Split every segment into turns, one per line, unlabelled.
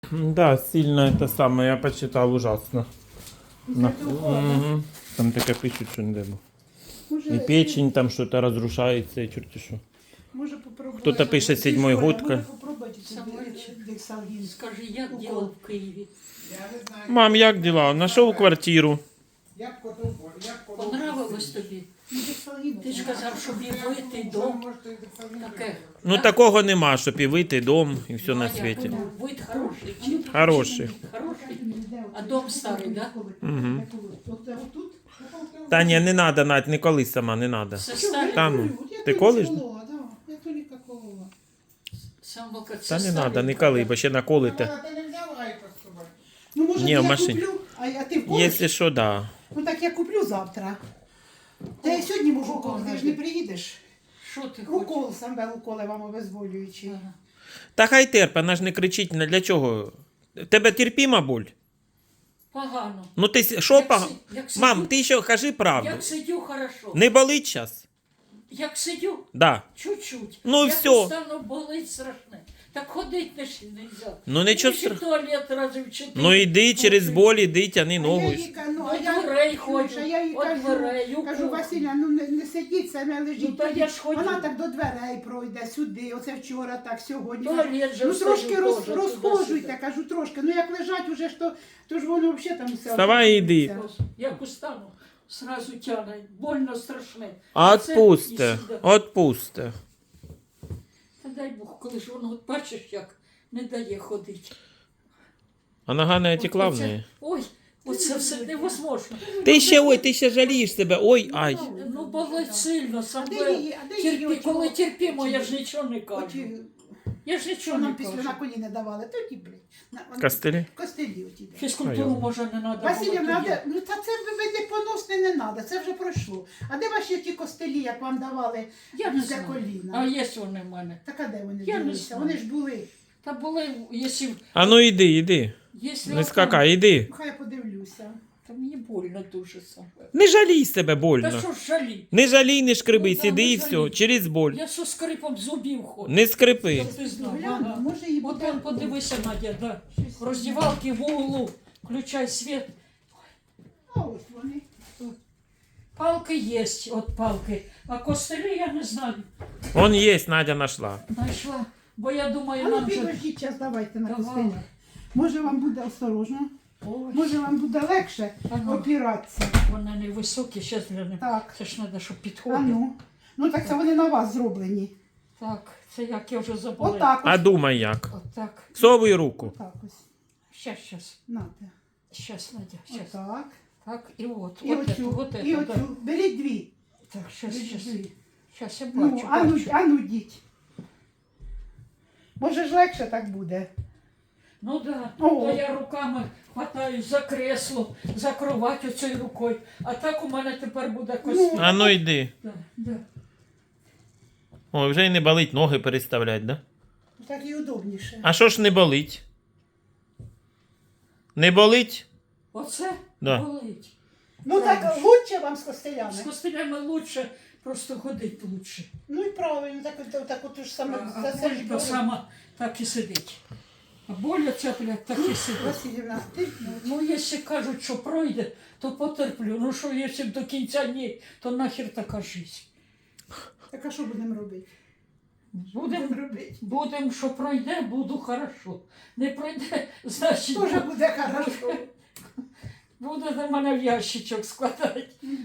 Да, сильно это самое, я почитал ужасно. Там таке пишуть, що не дай Бог. И печень там что-то разрушается, и черти что.
Може попробувати.
Хто-то пише 7-й год.
Може попробувати
Самольчик.
дексалгін.
Скажи, як діло в Києві?
Я не знаю.
Мам, як дела? Нашов квартиру.
Я б котов, я б котов.
Понравилось тобі?
Дексалгін.
Ти ж казав, що вийти дом. Таке.
Ну такого нема, щоб і вийти дом, і все на
А як?
світі.
Ну, вид хороший. Чи?
Хороший.
Хороший. А дом старий, да?
Угу.
Отут?
Та ні, не надо, Надь, не колись сама, не надо.
Все старий.
Та ну, ти колиш?
Я тільки колола.
Самолка, це
Та не
старий.
надо, не коли, бо ще наколите.
Ти не взяв айпад з собою?
Ну, може,
Ні,
я
в машині.
куплю, а ти вколиш?
Якщо що, да.
Ну, так я куплю завтра. Та я сьогодні можу укол, ти ж не приїдеш.
Що ти хочеш?
Укол, саме уколи вам обезболюючий.
Ага.
Та хай терпе, вона ж не кричить, для чого? Тебе терпіма боль?
Погано.
Ну ти що
Як
погано?
як
Мам,
сидю-
ти ще кажи правду.
Як сидю, хорошо.
Не болить зараз?
Як сидю,
Да.
чуть-чуть.
Ну,
як
всьо.
устану, болить страшне. Так ходить не нельзя.
Ну, нічого
Мені ще туалет разів 4.
Ну йди через боль, іди, тяни
А
ногу.
я їй кажу,
До дверей
Слушай,
ходжу,
я їй
от
кажу,
дверей, у
кажу,
кухню.
Василя, ну не сидіть, саме лежіть.
Ну, та я ж ходю.
Вона так до дверей пройде, сюди, оце вчора, так, сьогодні.
Туалет же
Ну
встаю
трошки
теж,
розхожуйте,
туди-сюди.
кажу, трошки. Ну як лежать уже, то ж воно взагалі там все.
Вставай і йди.
обходиться.
Як устану, сразу тягне, больно страшне.
Отпусте,
Це і сюди.
отпусте.
Та дай Бог, коли ж воно, от бачиш, як не дає ходити.
А нога не отекла в
Оце-
неї?
Ой, оце все невозможно.
Ти ще жалієш себе, ой, ай.
Ну, болить сильно,
А
саме.
де її,
Терпі,
оті-
коли терпімо, я ж нічого не кажу.
оті,
Я ж
що
нічого
нам
не
після
кажу.
на коліна давали, тоді, блядь.
Костелі?
Костелі оті. де.
Фізкультуру, може, не треба було
Василівна,
тоді.
ну та це ви не поносне не треба, це вже пройшло. А де ваші ті костелі, як вам давали
Я не
для
знаю.
коліна?
А є вони в мене.
Так а де вони
Я не
ділися?
знаю.
Вони ж були.
Та були, якщо...
А ну іди, іди.
якщо
Не скакай, іди.
Ну, хай я подивлюся.
Та мені больно дуже саме.
Не жалій себе
Та
больно.
що ж жалі?
Не жалій, не шкриби,
Ну, да,
сиди
не
і все,
жалій.
через боль.
Я со скрипом зубів ходжу.
Не скрипи.
Щоб ти знав.
Гляну,
Ага.
може і
От
буде.
он, подивися, Надя, да.
Щось.
В роздівалці в углу. Включай світ.
А ось вони.
Палки є, от палки. А костелі я не знаю.
Он є, Надя нашла.
Знайшла. Бо я думаю,
А ну
нам же
підождіть час, давайте на
давали.
костелі. Може вам буде осторожно,
Ой,
може вам буде легше
А ну.
опиратися.
вони невисокі, ще для них.
Так,
Це ж треба, щоб
а
підходили.
ну. Ну так це вони на вас зроблені.
Так, це як я вже забула.
Отак
А
ось.
думай як.
Отак.
Совуй руку.
Отак ось.
Щас.
Нате.
Щас, Надя, щас.
Отак.
Так, і от.
І
от
оцю.
от
І
это, да.
оцю. Беріть дві.
Так, щас,
Беріть
щас.
дві.
Щас я
Ну,
бачу,
ану,
бачу.
ану діть. Може ж легше так буде.
Ну да,
О.
то я руками хватаюсь за кресло, за кровать оцею рукою. А так у мене тепер буде костюм.
А ну йди.
Да, да.
Ой, вже й не болить ноги переставлять, да?
Так і удобніше.
А що ж не болить? Не болить?
Оце
Да.
болить.
Ну так лучше вам з костелями.
З костелями лучше, просто ходить лучше.
Ну і правильно, так от ж саме
А
за це ж
боль то
болить.
сама так і сидить. А боль оця, блядь, так і сидить.
Василівна, ти
Ну, якщо кажуть, що пройде, то потерплю. Ну що, якщо до кінця ні, то нахер така життя.
так а що будемо робити?
Будемо
робити.
Будем, що пройде, буду хорошо. Не пройде, значить,
Тоже буде хорошо.
буде до мене в ящичок складати.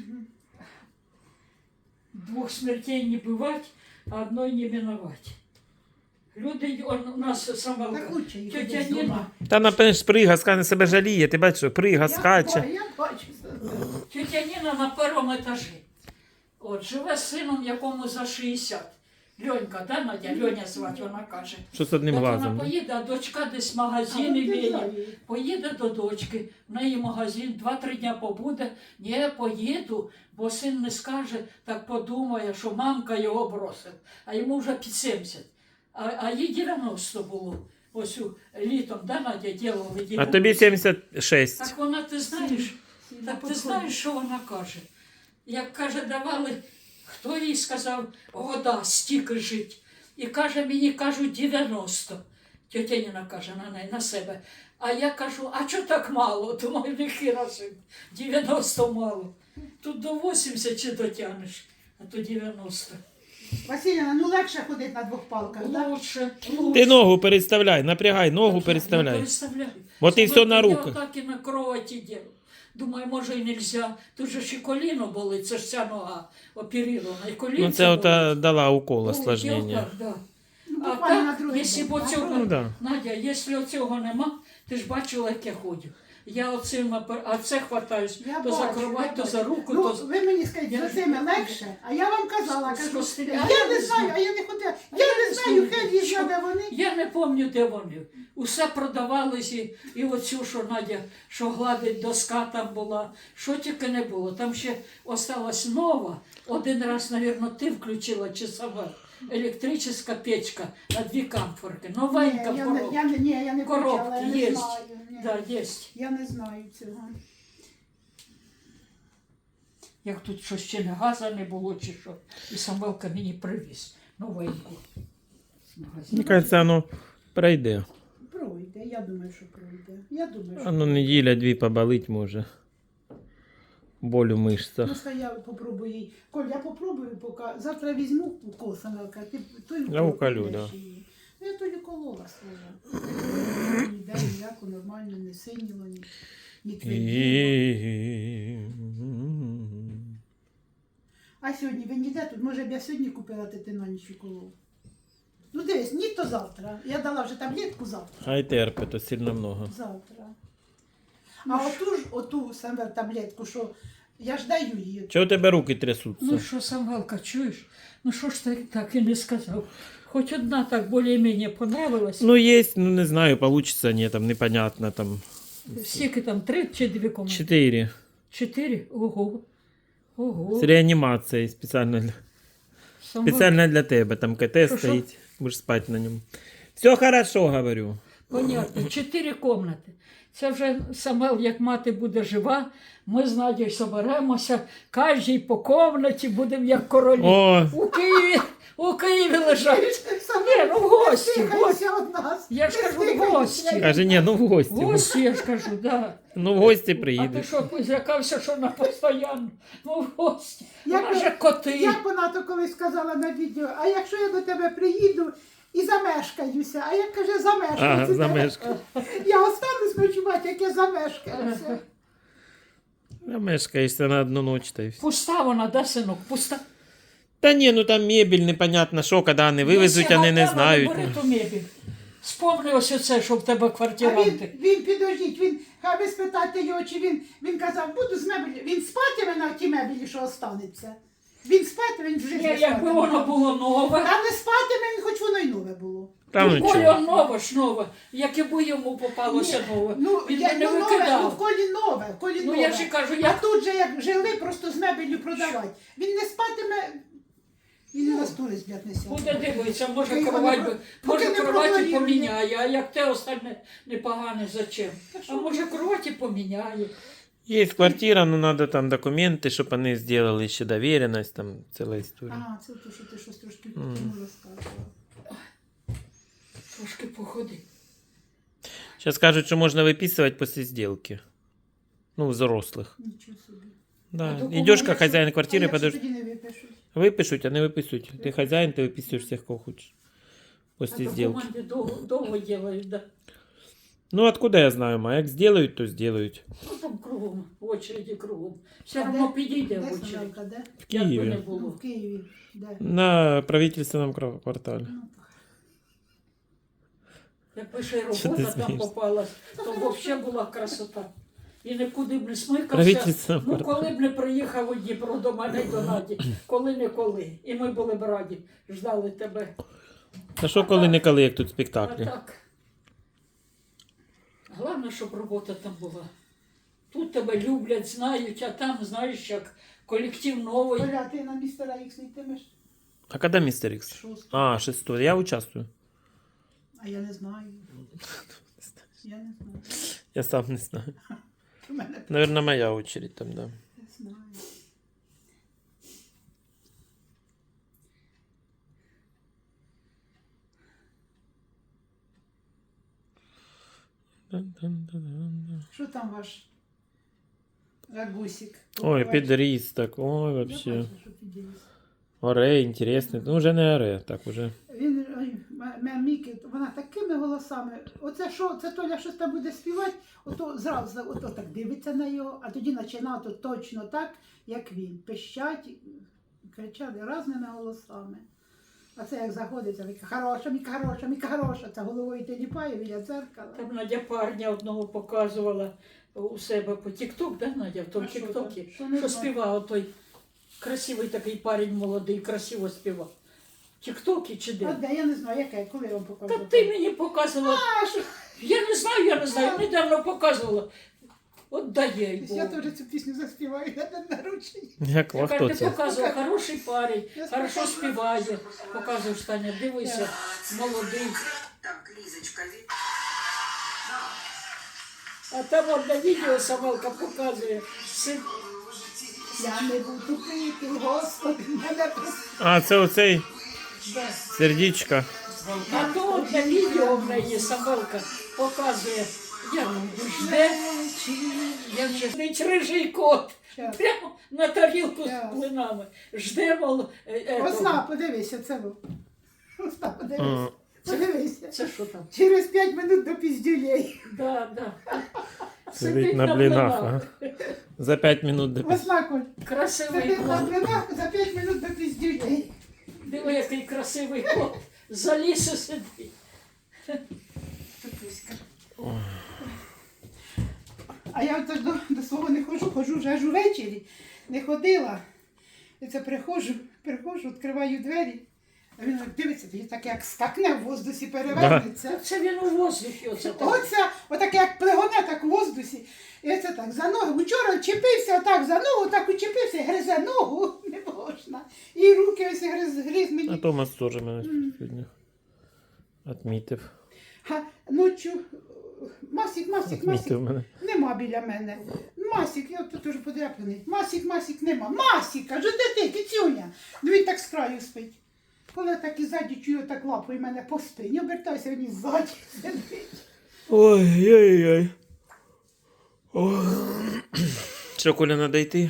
Двох смертей не бывать, а одной не миновать. Люди, у нас сама
Так лучше їх
тетя
десь
Ніна,
дома.
Та напевно сприга, скане себе жаліє, ти бачиш, що прига, скаче.
Я бачу.
тетя Ніна на першому етажі. От, живе з сином, якому за 60. Льонька, да, Надя? Льоня звати, вона каже.
Що з одним
От вона
глазом? Да?
поїде, а дочка десь в магазині віє. Поїде до дочки, в неї магазин, 2-3 дня побуде. Ні, поїду, бо син не скаже, так подумає, що мамка його бросила. А йому вже під 70. А їй 90 було. Ось літом, да, Надя, ділили
А тобі 76.
Так вона, ти знаєш, так ти знаєш, що вона каже? Як каже, давали, хто їй сказав, года стільки жить. І каже, мені кажуть 90. Тетя Ніна каже на себе. А я кажу, а чого так мало? Думаю, не хірасим, 90 мало. Тут до 80 чи дотягнеш, а то 90.
Василіна, ну легше ходити на двох палках, так?
Лучше.
Ти ногу переставляй, напрягай, ногу
Я
переставляй.
переставляю.
Вот і все на
Я
руках.
так і на кроваті ділю. Думаю, може і нельзя. Тут же ж і коліно болить, це ж ця нога оперирована. І коліно
Ну це ота дала укол осложнення.
Да.
Ну,
А
буквально на
так,
другий
якщо
день,
б
так?
оцього,
Ну, да.
Надя, якщо оцього нема, ти ж бачила, як я ходжу. Я оцим, а це хватаюсь,
Я
то
бачу,
за
я
кровать, то
бачу.
за руку,
Ну,
то
ви мені скажіть,
Я
за
ж-
цими легше, а я вам казала,
З
кажу,
костеля.
я не знаю, а я не ходила. Я не знаю, хай їжджа, де вони.
Я не пам'ятаю, де вони. Усе продавалось, і оцю, що Надя, що гладить доска там була, що тільки не було. Там ще осталась нова. Один раз, мабуть, ти включила чи сама. Електрична печка на 2 камфорки. Новенька
Ні,
коробка.
я не
Коробки
включала, я не
є.
знаю. Ні.
Да, є.
Я не знаю цього.
Як тут що ще не газа не було, чи що. І Самвелка мені привіз новеньку. з магазину.
Мені кажеться, воно пройде.
Пройде, я думаю, що пройде. Я думаю, що
Воно неділя-дві поболить може. Боль у мишцях.
Просто я попробую їй. Коль, я попробую, поки завтра візьму укол, Самелка, ти той
Я уколю,
колеш
да.
її. Ну, я тоді колола свого. Ніде ніяко нормально, не синіло, ні тверділо. А сьогодні ви ніде тут, може б я сьогодні купила ти на ніч уколов. Ну дивись, ні то завтра. Я дала вже таблетку завтра.
Хай терпить, то сильно много.
Завтра. А оту саме таблетку, що я ж даю її.
Чого у тебе руки трясуться?
Ну що, Самвелка, чуєш? Ну що ж ти так і не сказав? Хоч одна так більш-менш понравилась.
Ну, есть, ну не знаю, получится, нет, там непонятно, там
Скільки там, 3 чи 2 комнати?
4.
4? Ого. Ого.
С реанимацией специально, специально для тебя, там КТ
Що?
стоит, будешь спать на нем. Все хорошо, говорю.
Понятно, 4 комнати. Це вже Самвел, як мати буде жива, ми з Надією соберемося, кожній по комнаті будемо як королі.
О,
У Києві лежать. Ні, ну в гості.
Стихайся від нас.
Я ж кажу, в гості.
каже, не, ну в гости.
В гості, я ж кажу, да.
Ну в гости
А ти
приедешь.
що, злякався, що на постійно? Ну, в гості.
Як
Вона
ви-
же коти.
Як вона то колись сказала на відео, а якщо я до тебе приїду і замешкаюся, а як каже, замешкаюся.
Ага, замешка.
Я останусь ночувати, як я замешкаюся.
Замешкаешься на одну ночь, то и все.
Пуста вона, да, синок? Пуста.
Да не, ну там мебель, непонятно, що, коли вони вивезуть, вони не знають.
Бери ту мебіль. Спомни ось оце, що в тебе
А
квартиранти.
він підождіть, хай ви спитайте його, чи він казав, буду з мебелі, він спатиме на тій мебелі, що останеться. Він спатиме, він вже
Ні,
не
якби воно було нове.
Та не спатиме, він хоч воно й нове було.
Там
Ну,
нічого.
Коля нове ж нове. Якби йому попалося нове.
Ну,
Він
я,
би не
ну, нове, ну, в
викидав.
колі нове, в колі
Ну
нове.
я ж і кажу,
А
як
тут же як жили, просто з мебелью продавати. Він не спатиме, він і на стулі зб'ять не сяде.
буде дивитися, може
Поки
кровать,
воно-
би-
поки
може
не
кроваті
прогоріли.
поміняє, а як те остальне непогане, зачем?
Та
А
що
може кроваті поміняє.
Есть квартира, но надо там документы, чтобы они сделали еще доверенность, там целая история.
Ага, це те, що ти щось трошки
Мгм.
тому розказувала.
Трошки походи.
Сейчас скажут, что можно выписывать после сделки. Ну, взрослых.
Нічого собі.
Да.
А документы
Идешь как
что?
хозяин
А
квартиры,
якщо
подожди.
тоді не випишуть?
Выпишут, а не выписывают. Ты хозяин, ты выписываешь всех, кого хочешь.
А
После сделки.
документи довго ділають, да.
Ну, откуда я знаю, ма? Як сделают, то сделают.
Ну там кругом, в очереді кругом. Все
А
одно
де-
підійде
Де
в очередь.
Самелка, де?
В
Як би не
Киеве.
Ну,
було.
в Києві. Де?
На правительственном квартале.
Ну,
Якби ще й
Що ти
робота там
смієшся?
попалась, то взагалі була красота. І нікуди б не смикався.
Правительственном
Ну,
квартале.
коли б не приїхав у Дніпро до мене й до Наді, коли-не-коли. І ми були б раді, ждали тебе.
А що коли-не-коли, як тут
А
спектаклі?
так. Головне, щоб робота там була. Тут тебе люблять, знають, а там, знаєш, як колектив новий.
Оля, ти на містера Ікс не йтимеш?
А когда Мистер Икс?
Шостого.
А, 6. Я участвую.
А я не знаю. Я не знаю.
Я сам не знаю.
У мене
Наверное, моя очередь там, да.
не знаю. Що там ваш рагусик?
Ой, підріс так, ой,
Я
вообще.
бачу, що підріс.
Оре, інтересний. Ну, вже не оре, так уже.
Він, Мікі, вона такими голосами. Оце що, це Толя щось там буде співати, ото зразу ото так дивиться на його, а тоді починає то точно так, як він. Пищать, кричали різними голосами. А це як заходиться, Міка хороша, Міка хороша, Міка хороша. Це головою теліпає біля дзеркала.
Там Надя парня одного показувала у себе по Тік-Ток, да, Надя, в тому
А що
Тік-Токі,
там? Що не
що
знаю.
співав той красивий такий парень молодий, красиво співав. Тік-Токі чи
А
де?
де, я не знаю, яке, коли я вам
Та
показувала.
ти мені показувала.
А, що?
Я не знаю, недавно показувала. От дає й
Я
Богу.
теж цю пісню заспіваю на день народження.
Як
Я
хто
кажу, ти
це?
показував, хороший парень,
Я
хорошо
спокійно.
співає. Показуєш, Таня, дивися, молодий.
Так, Лізочка,
А там одне відео Самелка показує. Син
Я не буду пити, Господи, мене просто.
А, це оцей
да.
сердечко.
А то одне відео в неї Самелка показує, як жде, як же сидить рижий кот.
Щас.
Прямо на тарілку
Щас.
з блинами. Жде, мол,
Осна, подивися, це був. Осна, подивися. Подивися.
Це що там?
Через 5 минут до піздюлей.
Да, да.
Сидить на блінах. Ага. За 5 минут до
Осна, Коль.
Красивий
Сидить на
кот.
блинах за 5 минут до піздюлей.
Диви, який красивий кот. За лісу сидить.
Тупуська. А я от до свого не ходжу вже аж увечері. Не ходила. І це приходжу, відкриваю двері. А він дивиться, тоді так як скакне в воздусі, перевернеться.
Це він у воздухі оце так.
Оце, отаке як плегоне, так в воздусі. І це так, за ногу. Вчора чепився отак за ногу, так учепився, гризе ногу, не можна. І руки ось гриз
А
мені.
Томас теж мене сьогодні відмітив.
Ночу, Масік,
Відмітив мене.
нема біля мене. Масік, я тут теж подряпаний. Масік, нема. Масік, кажу, де ти, кицюня? Ну він так з краю спить. Коли я так і ззаді чую, так лапою мене по спині, обертаюся, він і ззаді сидить.
Ой-ой-ой. Що, Коля, треба йти?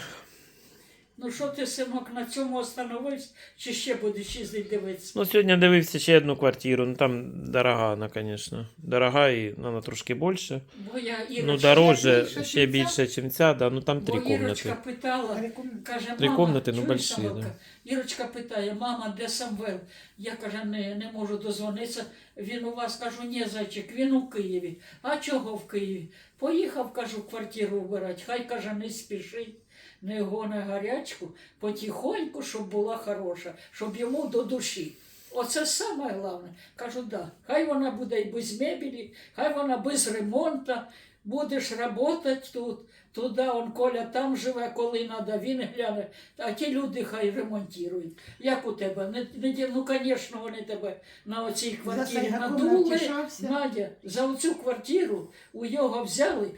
Ну що ти, синок, на цьому остановився, чи ще будеш їздити дивитися?
Ну, сьогодні дивився ще одну квартиру. Ну, там дорога вона, звісно. Дорога і вона трошки більше.
Бо я Ірочка,
Ну, дороже,
більше,
ще
чим
більше, ніж ця, да. Ну, там 3
бо Ірочка
кімнати.
питала, каже,
Три
мама,
комнати, ну,
чуєш,
больші,
Самвелка?
да.
Ірочка питає, мама, де Самвел? Я, каже, не можу дозвонитися. Він у вас, кажу, ні, зайчик, він у Києві. А чого в Києві? Поїхав, кажу, квартиру вбирати. Хай, каже, не спішить, не гони гарячку, потихоньку, щоб була хороша, щоб йому до душі. Оце саме головне. Кажу, да, хай вона буде і без мебелі, хай вона без ремонту, будеш працювати тут, туди, он Коля там живе, коли треба, він гляне, а ті люди хай ремонтують. Як у тебе? Ну, звісно, вони тебе на оцій квартирі
Сайгаком
надули.
навтішався.
Надя, за оцю квартиру у його взяли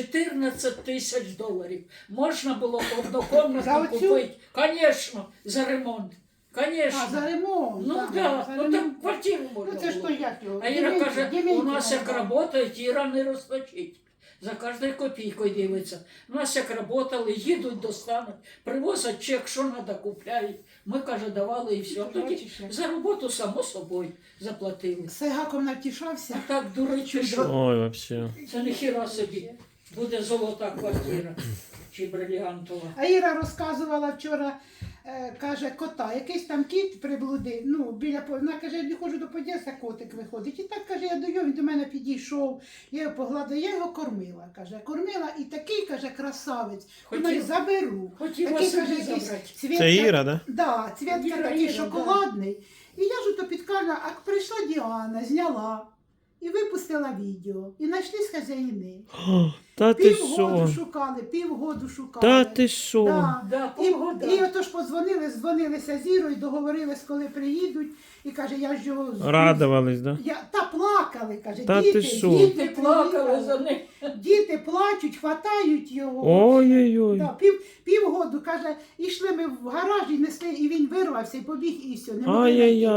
14 тисяч доларів. Можна було
За
однокомнатну
оцю?
купити. Звісно, за ремонт. Звісно.
А, за ремонт.
Ну
так,
так,
за
ну
ремонт.
там квартиру можна
Ну це ж
було.
то як його?
А Іра каже, у
Дементьєва
нас як
була.
працюють, Іра не розточить. За кожною копійкою дивиться. У нас як працювали, їдуть, достануть, привозять чек, що треба, купляють. Ми, каже, давали і все. Тоді
Бачиш, як.
за роботу, само собою, заплатили.
Сайгаком навтішався.
А так, дурачу, що
Ой, вообще.
це не хіра собі. Буде золота квартира чи бриліантова.
А Іра розказувала вчора, каже, кота, якийсь там кіт приблудив, ну, вона каже, я не ходжу до під'їзду, котик виходить. І так, каже, я до його, він до мене підійшов, я його погладила, я його кормила, каже, і такий, каже, красавець, думаю, заберу.
Хотіла
Такий,
собі
каже, якийсь
забрати.
цвітка,
Це Іра, да?
Да, цвітка
Іра,
такий
Іра,
шоколадний. І я ж ото підкармила, а прийшла Діана, зняла і випустила відео. І знайшлись хазяїни.
Та ти
Півгоду
що?
шукали.
Та ти що?
Да.
Да,
І
погода.
отож дзвонилися з Ірою, договорились, коли приїдуть. І каже, я ж його...
Радувались, да?
Та плакали, каже,
Та ти що?
Діти плакали за ним.
Діти плачуть, хватають його.
Ой-ой-ой.
Да, півгоду, каже, ішли ми в гараж і несли, і він вирвався і побіг, і все. Не могли знайти.
Ай-яй-яй.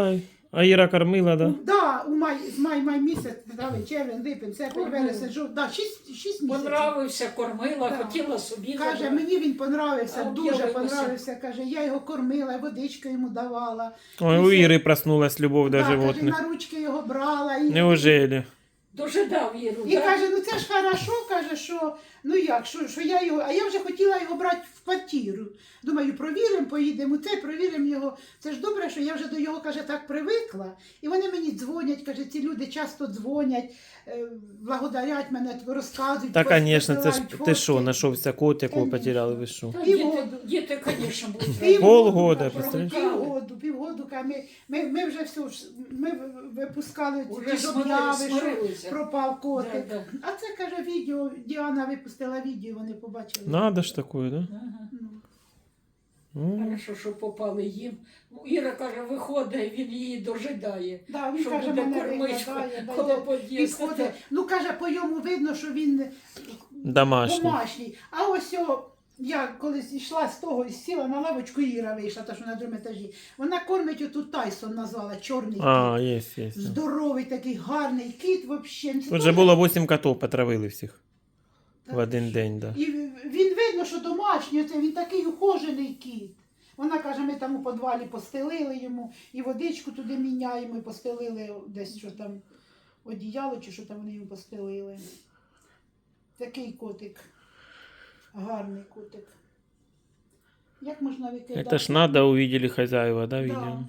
А Іра кормила, да?
Да, з май місяць, дали червень, липень, серпень, вересень, жовтень, да, 6 місяців.
Понравився, кормила,
Да.
хотіла собі
Каже,
забрати.
мені він понравився,
А
дуже
об'явилося.
понравився. Каже, я його кормила, водичку йому давала.
Ой, у Іри проснулась любов до
Да, каже,
животних.
на ручки його брала. І,
Неужели?
Дожидав Іру,
і
да?
каже, ну це ж хорошо, каже, що ну як, що я його, а я вже хотіла його брати в квартиру. Думаю, провіримо, поїдемо це, провіримо його. Це ж добре, що я вже до його, каже, так привикла. І вони мені дзвонять, каже, ці люди часто дзвонять, благодарять мене, розказують.
Та, звісно, це ж
посилають
ти що,
фотки.
знайшовся кот, якого
Конечно.
потеряли, ви що?
Та
Півгоду.
діти, звісно, будуть
Півгоду,
Полгода,
каже,
представляєш?
Півгоду, каже, ми вже все, ми випускали
Уже
ті ж об'яви, що
смирилися.
пропав котик.
Да, да.
А це, каже, відео, Діана випустила відео, вони побачили.
Надо ж такое, да?
Ага.
Ну.
Хорошо, що попали їм. Іра каже, виходить, він її дожидає.
Да, він
Що
каже,
буде
мене
кормичка
виглядає, да,
коло
йде,
під'їзду.
підходить. Ну, каже, по йому видно, що він
Домашній.
домашній. А ось я колись йшла з того і сіла на лавочку, Іра вийшла, та що на другому етажі. Вона кормить отут Тайсон назвала, чорний
А,
кіт.
є.
Здоровий такий, гарний кіт взагалі.
Тут же було 8 котів, потравили всіх. В один день, да.
І він видно, що домашній, це він такий ухожений кіт. Вона каже, ми там у підвалі постелили йому, і водичку туди міняємо, і постелили десь що там, одіяло, чи що там вони йому постелили. Такий котик. Гарний котик. Як можна викидати?
Это ж надо, увидели хозяева, да,
Да.
видео?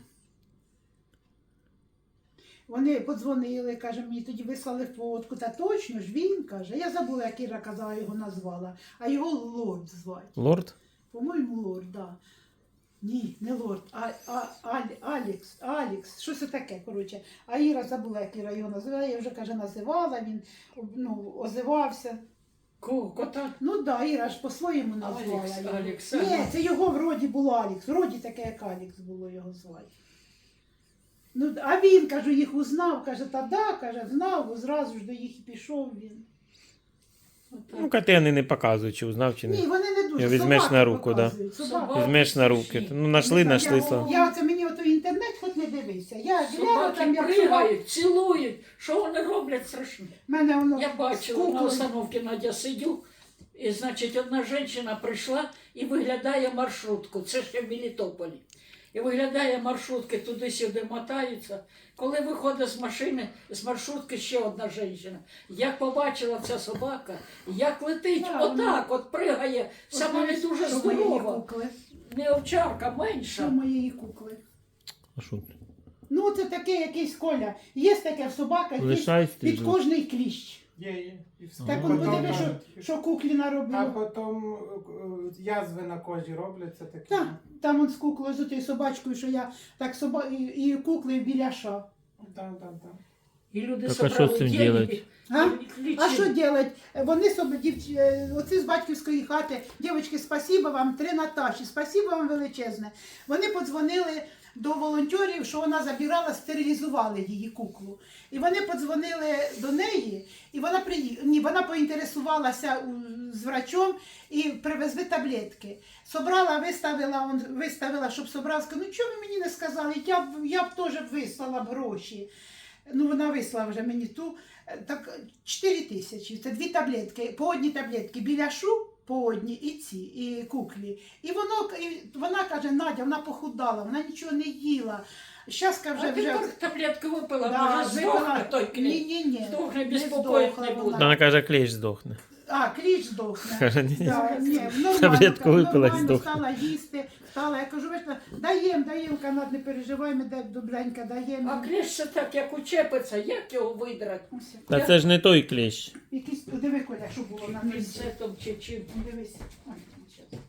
Вони подзвонили, каже, мені тоді вислали фотку. Та точно ж він, каже. Я забула, як Іра казала, його назвала. А його Лорд звати.
Лорд?
По-моєму, Лорд, да. Ні, не Лорд, Алікс, що це таке, коротше. А Іра забула, як Іра його називала, я вже, каже, називала, він озивався.
Кого? Кота?
Ну так, да, Іра ж по-своєму назвала
Алікс,
його.
Алікс,
Ні,
ага.
це його вроді було Алікс, вроді таке, як Алікс було його звати. Ну, а він, кажу, їх узнав, каже, та да, каже, знав, зразу ж до їх і пішов він.
Ну, коти вони не показують, чи узнав, чи
Ні,
не.
вони не дуже.
Я візьмеш
собаки
на руку, да.
показують, собаки.
Візьмеш на руки. Ну, нашли, слава.
Я оце мені ото інтернет хоч не дивився. Я гляну там,
Собаки
як собаки.
пригають, цілують. Що вони роблять страшне?
Мене воно
Я бачила, на
скукли.
установці Надя сидю, і, значить, одна жінка прийшла і виглядає маршрутку. Це ще в Мелітополі. І виглядає маршрутки, туди-сюди мотаються. Коли виходить з машини, з маршрутки ще одна жінка. Як побачила ця собака, як летить,
Да,
отак, от пригає, сама не дуже
Що моєї
здорова.
кукли?
Не овчарка,
Що
менша.
моєї кукли?
А що?
Ну, це таке якийсь Коля. Є таке в собаках, є
Лишайся,
під
ти
кожний кліщ.
Є. І все.
Так
Ага.
он
Потім,
подиви, що куклі
а
наробило.
потім язви на кожі робляться такі.
Так, там он з куклою, з тією собачкою, що я так і куклею біляша.
Так.
І люди
Так, а що
собрали
з цим
деньги,
делать?
А?
і
А
лічили.
що делать? Вони собі, оці з батьківської хати, дівчатки, спасибо вам, 3 Наташі, спасибо вам величезне. Вони подзвонили до волонтерів, що вона забирала, стерилізували її куклу. І вони подзвонили до неї, і вона вона поінтересувалася з врачом і привезли таблетки. Собрала, виставила, щоб собрала, сказала, ну чого ви мені не сказали, я б теж вислала б гроші. Ну, вона вислала вже мені ту, так 4 тисячі, це 2 таблетки, по одній таблетки біляшу, по одній і ці, і куклі. І вона каже, Надя, вона похудала, вона нічого не їла. Щас,
А
вже
ти таблетку випила,
Да,
може здохне той клей.
Ні.
Здохне,
не
безпокоїть
здохла
не
вона.
буде.
Вона каже, клещ здохне.
А, кліч здохне.
Каже, ні.
Да, ні, нормально,
Таблетку випила і
нормально,
здохне.
стала їсти, я кажу, вийшла, даємо, Канад, не переживай, ми добренько даємо.
А клещ це так, як учепиться, як його видрати?
Ось,
Та це ж не той клещ.
якийсь, диви, Коля, що було на низі.
Пінцетом чи чим.
Дивись. Ой, щас.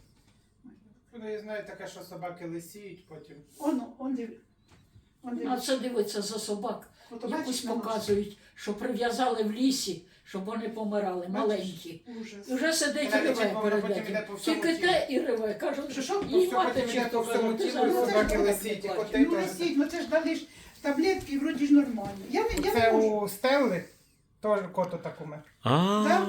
Ну, я знаю таке, що собаки лисіють потім.
Он диви. Он
А це дивиться за собак.
От,
Якусь
бачиш, на
показують, що прив'язали в лісі, щоб вони помирали, маленькі.
Ужас.
І вже сидить і
Вона
реве
лічить, вона
перед
потім
этим.
йде по всьому
Тільки
тілу.
те і реве. Кажуть,
Що,
їй
Все
мати
потім
чи
йде
хто
по всьому
каже, ти
тілу, і
зараз
собаки
не
лисіють, і
плачеш.
коти
Ну,
теж.
лисіть, ну це ж дали ж таблетки, і вроді ж нормально. Я не
Це
можу.
у Стелли теж кот так умер.
А.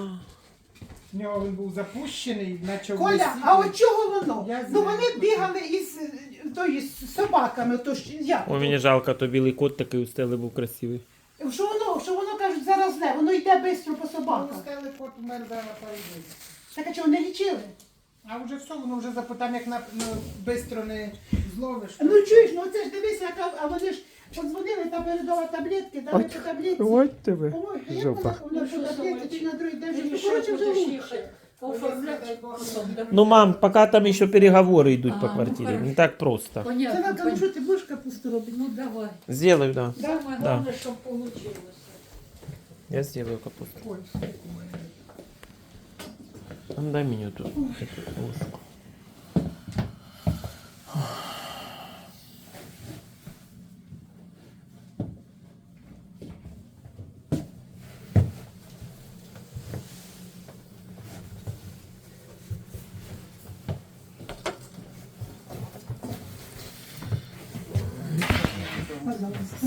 В нього він був запущений, почав
Коля,
лисіти.
а от чого воно?
Я
Ну
знаю.
вони бігали із тої з собаками, то ж як?
О, мені жалко, то білий кот такий у стели був красивий.
Що воно кажуть, заразне, воно йде швидко по
Ну,
собакам.
стали кот умер да, на пару днів.
Так а чого не лічили?
А вже все, воно вже запитам, як швидко не зловиш.
Ну чуєш, ну це ж дивися, а вони ж подзвонили та передала таблетки, дали по таблетці.
Ось тебе.
Ой, як
Жопа.
воно по таблетці на другий день вже, ну,
Рішив,
коротше, вже
будеш
лучше.
їхати, оформляти потім, да?
Ну, мам, поки там ще переговори йдуть
А,
по
ну,
квартирі.
хорошо.
Не так просто.
Це
Понятно,
нам кажуть, що ти будеш капусту робити?
Ну давай.
Сделаю, да.
Саме
Да.
головне, щоб вийшло.
Я сделаю капусту.
Ой,
Ну, дай мені тут эту ложку.
Пожалуйста.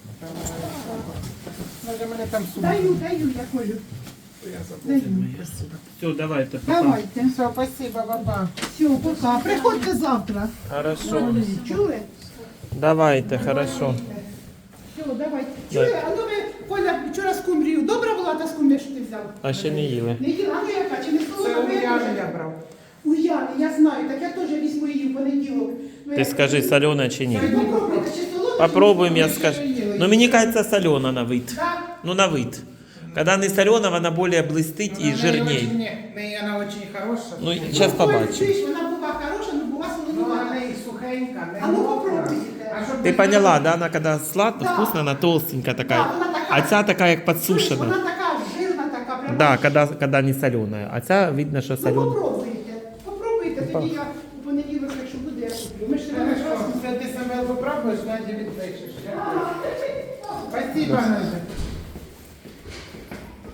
може мене там сумка.
Даю, я колю.
Я забув.
Даю.
Все, давайте.
Давайте.
Все, спасибо, баба.
Все, пока. Приходьте завтра.
Хорошо.
Чули?
Давайте, хорошо.
Все, давайте. Чули? А ну ви, Коля, вчора скумбрію. Добра була та скумбрія, що ти взяв?
А ще не їли.
Не їла, а ну яка, чи не
Це
солоно?
у Яни я брав.
У Яни, я знаю, так я теж візьму її в понеділок. Ну,
Ти
я-
скажи, солена чи ні?
Попробуйте, чи солоно?
Попробуем, я
Ще
скажу.
не їли.
Но мне кажется, солена на вид.
Так.
Ну, на вид. Когда не солена, она более блистить и жирней.
Ні, вона дуже хороша.
Ну, сейчас побачим.
Чуєш, вона була хороша, але була
Ну,
солонувата.
вона і сухенька. не
А ну
мокра.
попробуйте.
А щоб
Ты
ви
поняла,
знали,
да? Она когда сладко,
Да.
вкусно, она толстенькая
Да,
такая.
вона така.
А ця такая, как
Чуєш,
подсушена.
вона така жирна, така прямо.
Да, когда не соленая. А ця видно, що
Ну
солена.
попробуйте. Попробуйте, тоді я у понеділок, якщо буде, я куплю. Ми ж ще не
Хорошо, це ти себе попробуєш, Надя відпишеш. Спасибо, Надя.